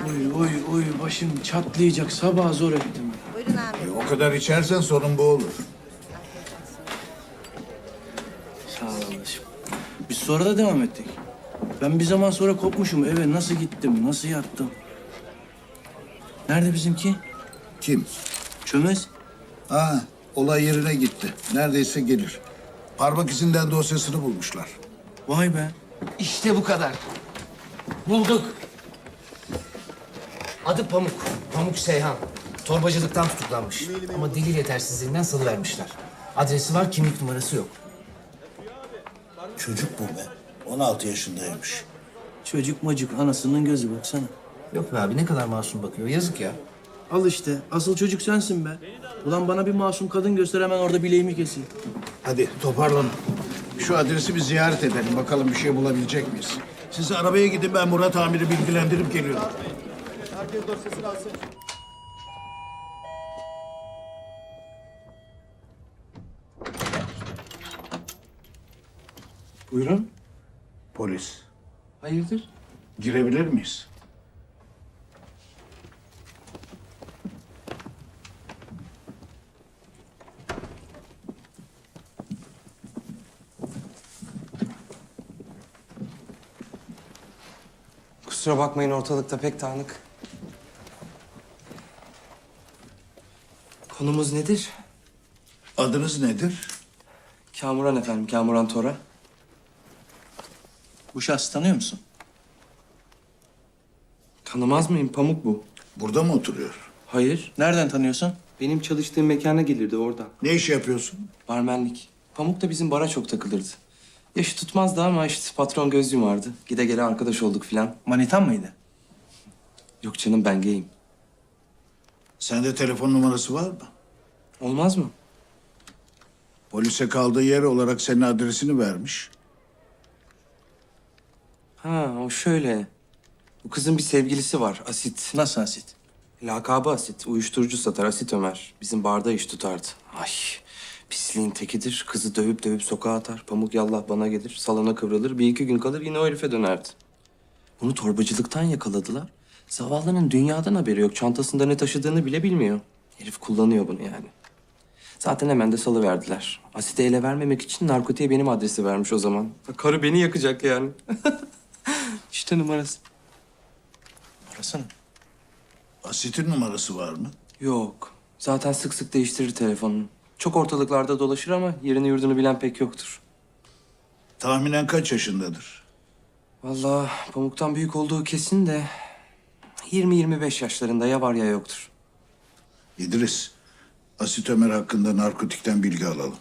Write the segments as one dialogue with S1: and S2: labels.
S1: Oy başım çatlayacak. Sabah zor ettim.
S2: Buyurun abi.
S3: O kadar içersen sorun bu olur.
S1: Sağ ol kardeşim. Biz sonra da devam ettik. Ben bir zaman sonra kopmuşum. Eve nasıl gittim, nasıl yattım? Nerede bizimki?
S3: Kim?
S1: Çömez.
S3: Ha, olay yerine gitti. Neredeyse gelir. Parmak izinden dosyasını bulmuşlar.
S1: Vay be.
S4: İşte bu kadar. Bulduk. Adı Pamuk. Pamuk Seyhan. Torbacılıktan tutuklanmış. Ama delil yetersizliğinden salıvermişler. Adresi var, kimlik numarası yok.
S3: Çocuk bu be. 16 yaşındaymış.
S1: Çocuk macık anasının gözü baksana.
S4: Yok be abi, ne kadar masum bakıyor. Yazık ya.
S1: Al işte. Asıl çocuk sensin be. Ulan bana bir masum kadın göster hemen orada bileğimi keseyim.
S3: Hadi toparlanın. Şu adresi bir ziyaret edelim. Bakalım bir şey bulabilecek miyiz? Siz arabaya gidin, ben Murat amiri bilgilendirip geliyorum.
S5: Herkes dosyasını alsın.
S1: Buyurun.
S3: Polis.
S1: Hayırdır?
S3: Girebilir miyiz?
S6: Kusura bakmayın, ortalıkta pek dağınık. Konumuz nedir?
S3: Adınız nedir?
S6: Kamuran efendim, Kamuran Tora.
S1: Bu şahsı tanıyor musun?
S6: Tanımaz mıyım? Pamuk bu.
S3: Burada mı oturuyor?
S6: Hayır.
S1: Nereden tanıyorsun?
S6: Benim çalıştığım mekana gelirdi oradan.
S3: Ne iş yapıyorsun?
S6: Barmenlik. Pamuk da bizim bara çok takılırdı. Yaşı tutmazdı ama işte patron göz yumardı. Gide gele arkadaş olduk filan.
S1: Manitan mıydı?
S6: Yok canım, ben gayim.
S3: Sende telefon numarası var mı?
S6: Olmaz mı?
S3: Polise kaldığı yer olarak senin adresini vermiş.
S6: Ha, o şöyle. Bu kızın bir sevgilisi var, Asit.
S1: Nasıl asit?
S6: Lakabı Asit. Uyuşturucu satar, Asit Ömer. Bizim barda iş tutardı. Ay, pisliğin tekidir. Kızı dövüp dövüp sokağa atar. Pamuk yallah bana gelir. Salona kıvrılır. Bir iki gün kalır, yine o herife dönerdi. Bunu torbacılıktan yakaladılar. Zavallının dünyadan haberi yok. Çantasında ne taşıdığını bile bilmiyor. Herif kullanıyor bunu yani. Zaten hemen de salıverdiler. Asit'e ele vermemek için narkotiğe benim adresi vermiş o zaman. Karı beni yakacak yani. İşte numarası.
S1: Arasana.
S3: Asit'in numarası var mı?
S6: Yok. Zaten sık sık değiştirir telefonunu. Çok ortalıklarda dolaşır ama yerini yurdunu bilen pek yoktur.
S3: Tahminen kaç yaşındadır?
S6: Vallahi Pamuk'tan büyük olduğu kesin de 20-25 yaşlarında, ya var ya yoktur.
S3: İdris, Asit Ömer hakkında narkotikten bilgi alalım.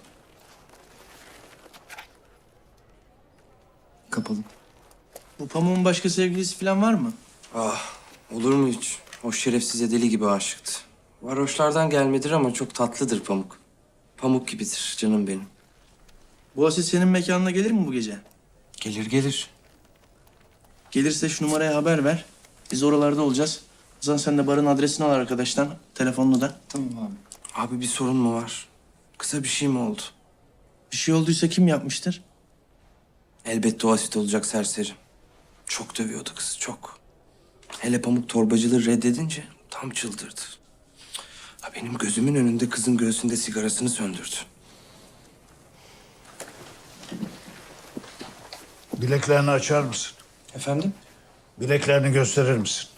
S6: Kapalı.
S1: Bu pamuğun başka sevgilisi falan var mı?
S6: Ah, olur mu hiç? O şerefsize deli gibi aşıktı. Varoşlardan gelmedir ama çok tatlıdır Pamuk. Pamuk gibidir canım benim.
S1: Bu asit senin mekanına gelir mi bu gece?
S6: Gelir gelir.
S1: Gelirse şu numaraya haber ver. Biz oralarda olacağız. O zaman sen de barın adresini al arkadaştan. Telefonunu da.
S6: Tamam abi. Abi bir sorun mu var? Kısa bir şey mi oldu?
S1: Bir şey olduysa kim yapmıştır?
S6: Elbette o Asit olacak serseri. Çok dövüyordu kızı, çok. Hele Pamuk torbacılığı reddedince tam çıldırdı. Ha, benim gözümün önünde kızın göğsünde sigarasını söndürdü.
S3: Bileklerini açar mısın?
S6: Efendim?
S3: Bileklerini gösterir misin?